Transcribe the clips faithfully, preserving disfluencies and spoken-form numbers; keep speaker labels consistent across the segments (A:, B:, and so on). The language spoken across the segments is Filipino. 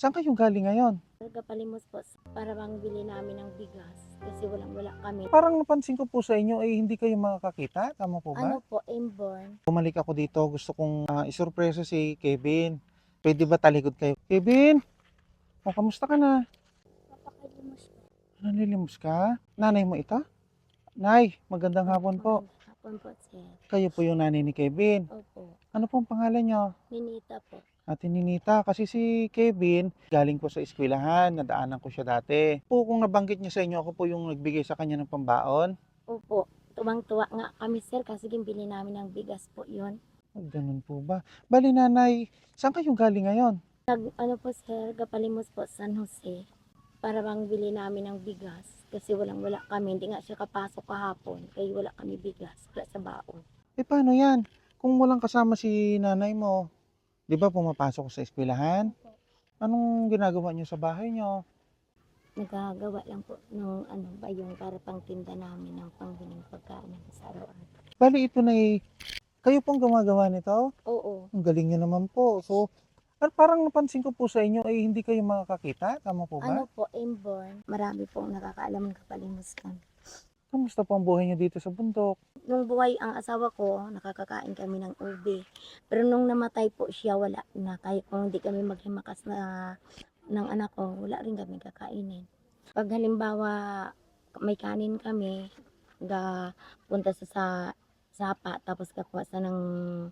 A: Saan kayo galing ngayon?
B: Taga-Palimos po para bang bili namin ng bigas kasi walang-wala kami.
A: Parang napansin ko po sa inyo ay hindi kayo makakakita, tama po ba?
B: Ano po, inborn.
A: Bumalik ako dito, gusto kong ah, isurpresa si Kevin. Pwede ba talikod kayo? Kevin, o kamusta ka na?
B: Papakalimos po.
A: Nalilimos ka? Nanay mo ito? Nay, magandang hapon po.
B: Magandang hapon po, sir.
A: Kayo po yung nanay ni Kevin.
B: Opo,
A: Ano pong pangalan nyo?
B: Ninita po.
A: Ate Ninita, kasi si Kevin, galing po sa eskwelahan, nadaanan ko siya dati. Po, kung nabanggit niya sa inyo, ako po yung nagbigay sa kanya ng pambaon.
B: Opo, tuwang-tuwa nga kami, sir, kasi bili namin ng bigas po yun.
A: Ay, ganun po ba? Bali nanay, saan kayo galing ngayon?
B: Nag, ano po, sir, Taga-Palimos po, San Jose. Para bang bili namin ng bigas kasi walang-wala kami. Hindi nga siya kapasok kahapon kaya wala kami bigas. Wala sa baon.
A: Eh paano yan? Kung walang kasama si nanay mo, di ba pumapasok sa eskwelahan? Anong ginagawa niyo sa bahay niyo?
B: Nagagawa lang po ng ano ba yung para pang tinda namin ng pangbiling pagkain sa araw-araw.
A: Bali ito na eh, kayo pong gumagawa nito?
B: Oo.
A: Ang galing niyo naman po. So, par- parang napansin ko po sa inyo ay hindi kayo makakakita, tama po ba?
B: Ano po, inborn. Marami pong nakakaalam ng Kapalimus kami.
A: Kamusta po ang buhay niyo dito sa bundok?
B: Nung buhay ang asawa ko, nakakakain kami ng ube. Pero nung namatay po siya, wala na. Kahit kung hindi kami maghimakas na ng anak ko, wala rin kami kakainin. Pag halimbawa, may kanin kami, ga punta sa, sa sapa, tapos kakuha sa ng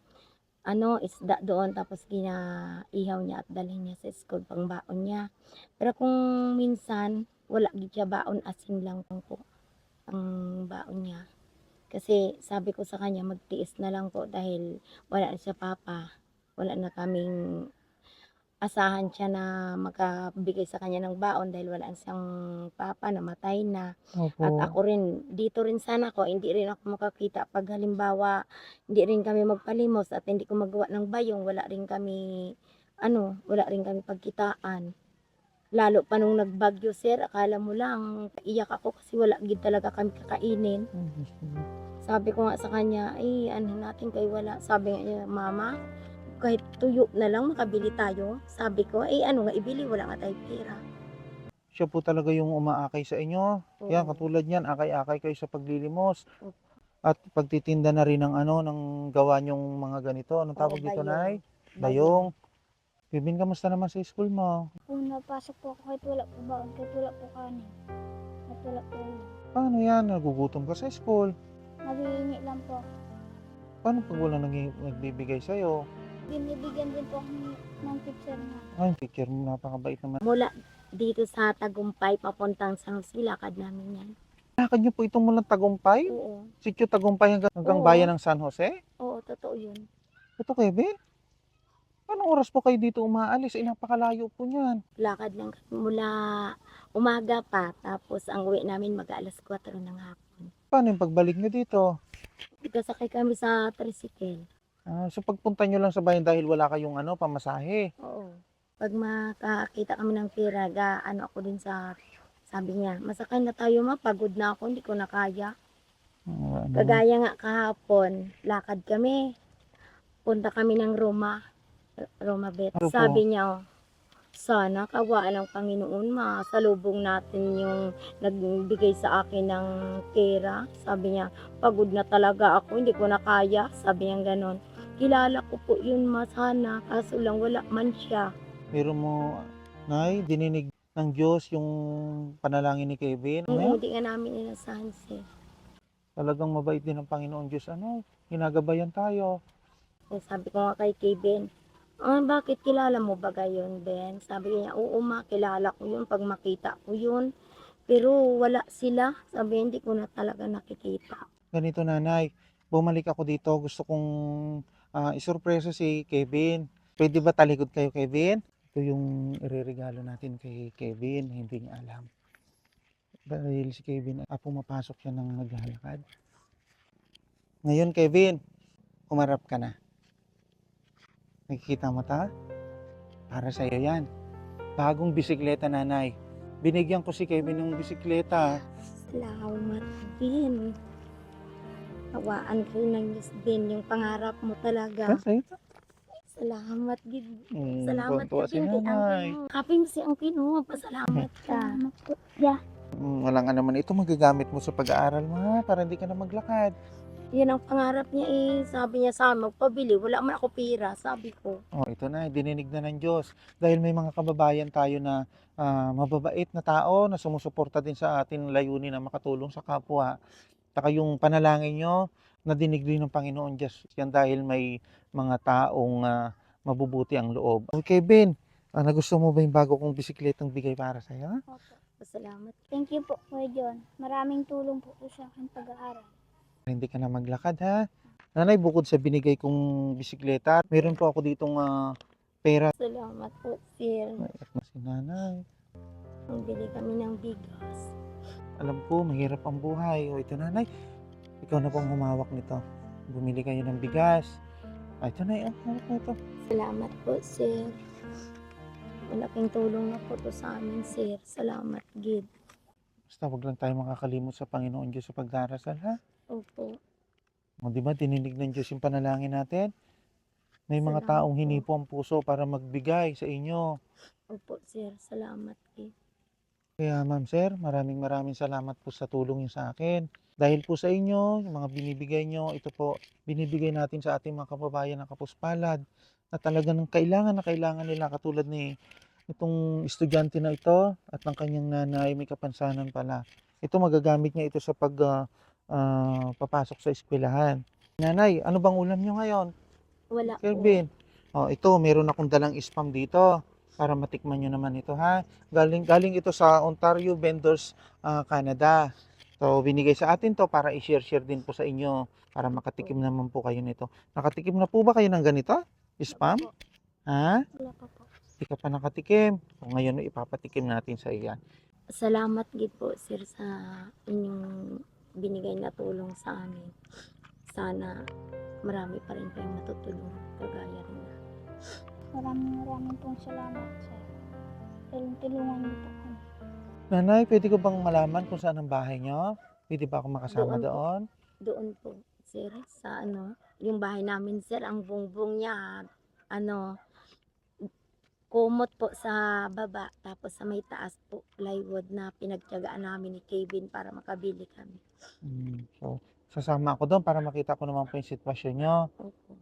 B: ano, isda doon, tapos ginaihaw niya at dalhin niya sa school pang baon niya. Pero kung minsan, wala gid siya baon, asin lang po ang baon niya. Kasi sabi ko sa kanya, magtiis na lang po dahil wala na siya papa. Wala na kaming asahan siya na makabigay sa kanya ng baon dahil wala na siyang papa, namatay na. At
A: Opo.
B: ako rin, dito rin sana ko, hindi rin ako makakita pag halimbawa, hindi rin kami magpalimos at hindi ko magawa ng bayong, wala rin kami, ano, wala rin kami pagkitaan. Lalo pa nung nagbagyo, sir, akala mo lang, iyak ako kasi wala gid talaga kami kakainin. Sabi ko nga sa kanya, ay ano natin kay wala. Sabi nga niya, mama, kahit tuyo na lang makabili tayo. Sabi ko, ay ano nga ibili, wala nga tayong pera.
A: Siya po talaga yung umaakay sa inyo. Yan,
B: Oo.
A: katulad niyan, akay-akay kayo sa paglilimos.
B: Opo.
A: At pagtitinda na rin ng ano, ng gawa niyong mga ganito. Anong tawag
B: Oo,
A: dito,
B: bayong.
A: Nay? Bayong. Bibin, kamusta naman sa school mo?
C: Kung napasok po ako kahit wala po baon, kahit wala po kanin, kahit wala po ulam.
A: Paano yan? Nagugutom ka sa school.
C: Naghihingi lang po ako.
A: Paano pag wala nag nagbibigay sa'yo?
C: Binibigyan din po ako ng, ng teacher na.
A: Ay, teacher mo, napakabait naman.
B: Mula dito sa Tagumpay, papuntang San Jose, lakad namin yan.
A: Lakad niyo po itong mulang Tagumpay?
B: Oo.
A: Sitio Tagumpay hanggang, hanggang
B: Oo.
A: bayan ng San Jose?
B: Oo, totoo yun.
A: Ito, Kevin? Anong oras po kayo dito umaalis? Eh, napakalayo po niyan.
B: Lakad lang kami mula umaga pa, tapos ang uwi namin mag-alas kwatro ng hapon.
A: Paano yung pagbalik niyo dito?
B: Kasakay kami sa tricycle.
A: Ah, so pagpunta niyo lang sa bayan dahil wala kayong ano, pamasahe.
B: Oo. Pag makakita kami ng pera, ga, ano ako din sa, sabi niya, masakay na tayo ma, pagod na ako, hindi ko na kaya.
A: Ah, ano,
B: Kagaya nga kahapon, lakad kami. Punta kami ng Roma, Roma Bet.
A: Ano po?
B: Sabi niya, sana kawaan ng Panginoon, masalubong natin yung nagbigay sa akin ng pera. Sabi niya, pagod na talaga ako, hindi ko na kaya. Sabi niya ganon. Kilala ko po yun ma sana, kaso lang wala man siya.
A: meron mo, Nay, dininig ng Diyos yung panalangin ni Kevin.
B: Ang
A: Ano?
B: hindi nga namin inasahan siya.
A: Talagang mabait din ang Panginoon Diyos. Ano? Ginagabayan tayo.
B: Eh, sabi ko nga kay Kevin, ah, bakit kilala mo ba gayon, Ben? Sabi niya, oo ma, kilala ko yun pag makita ko yun. Pero wala sila. Sabi, hindi ko na talaga nakikita.
A: Ganito, Nanay, bumalik ako dito. Gusto kong ah, isurpresa si Kevin. Pwede ba talikod kayo, Kevin? Ito yung ireregalo natin kay Kevin. Hindi niya alam. Dahil si Kevin, ah, pumapasok siya ng naglalakad. Ngayon, Kevin, humarap ka na. Nakikita mo ta? Para sa'yo yan. Bagong bisikleta, Nanay. Binigyan ko si Kevin ng bisikleta.
B: Salamat din. Hawaan kayo ng Diyos din yung pangarap mo talaga.
A: Ah, sa'yo to.
B: Salamat gid.
A: Mm,
B: Salamat
A: tuwan-tuwa
B: ka
A: si
B: din kay
A: nanay.
B: Angkin mo. Kapin mo si Angkin mo. Pasalamat ka.
C: Salamat po. Yeah.
A: Mm, wala nga naman ito magagamit mo sa pag-aaral mo ha, para hindi ka na maglakad.
B: Yan ang pangarap niya eh. Sabi niya sa amin, magpabili. Wala man ako pera. Sabi ko.
A: Oh, ito na, dininig na ng Diyos. Dahil may mga kababayan tayo na ah, mababait na tao na sumusuporta din sa atin layunin na makatulong sa kapwa. Saka yung panalangin nyo, nadinig din ng Panginoon Diyos. Yan dahil may mga taong ah, mabubuti ang loob. Okay, Ben, ah, nagusto mo ba yung bago kong bisikletang bigay para sa'yo?
C: Opo.
B: Pasalamat.
C: Thank you po, Kuya John. Maraming tulong po po sa akin pag-aaral.
A: Hindi ka na maglakad ha. Nanay, bukod sa binigay kong bisikleta, meron po ako ditong ah, pera.
B: Salamat po, sir.
A: Naiyak na si nanay.
B: Nang bili kami ng bigas.
A: Alam ko, mahirap ang buhay. O ito nanay, ikaw na pong humawak nito. Bumili kayo ng bigas. Ay, ito na, hawak mo ito.
B: Salamat po, sir. Malaking tulong na po to sa amin, sir. Salamat, gid.
A: Basta wag lang tayo makakalimot sa Panginoon Diyos sa pagdarasal ha.
B: Opo.
A: O di ba, dininig ng Diyos yung panalangin natin. May mga
B: Salamat
A: taong
B: po.
A: hinipo ang puso para magbigay sa inyo.
B: Opo, sir. Salamat, gid.
A: Kaya ma'am sir, maraming maraming salamat po sa tulong niyo sa akin. Dahil po sa inyo, yung mga binibigay nyo, ito po, binibigay natin sa ating mga kababayan na kapuspalad na talagang kailangan na kailangan nila katulad ni itong estudyante na ito at ng kanyang nanay may kapansanan pala. Ito magagamit niya ito sa pag ah, ah, papasok sa eskwelahan. Nanay, ano bang ulam nyo ngayon?
B: Wala po.
A: Kelvin, oh, ito, meron akong dalang spam dito para matikman nyo naman ito ha. Galing, galing ito sa Ontario Vendors ah, Canada. So, binigay sa atin to para i-share-share din po sa inyo para makatikim naman po kayo nito. Nakatikim na po ba kayo ng ganito? Spam?
C: Opo.
A: Ha?
C: Wala pa po.
A: Hindi ka pa nakatikim. So, ngayon ipapatikim natin sa iyan.
B: Salamat, gid po, sir, sa inyong binigay na tulong sa amin. Sana marami pa rin kayong matutulungan. Kagaya rin na.
C: Maraming maraming pong salamat, sir. Tulong-tulungan niyo po kami.
A: Nanay, pwede ko bang malaman kung saan ang bahay nyo? Pwede ba ako makasama
B: Doon po.
A: doon?
B: Doon po, sir, sa ano, yung bahay namin, sir, ang bungbong niya, ano, kumot po sa baba, tapos sa may taas po, plywood na pinagtiyagaan namin ni Kevin para makabili kami.
A: Hmm, so, sasama ako doon para makita ko naman po yung sitwasyon nyo.
B: Opo.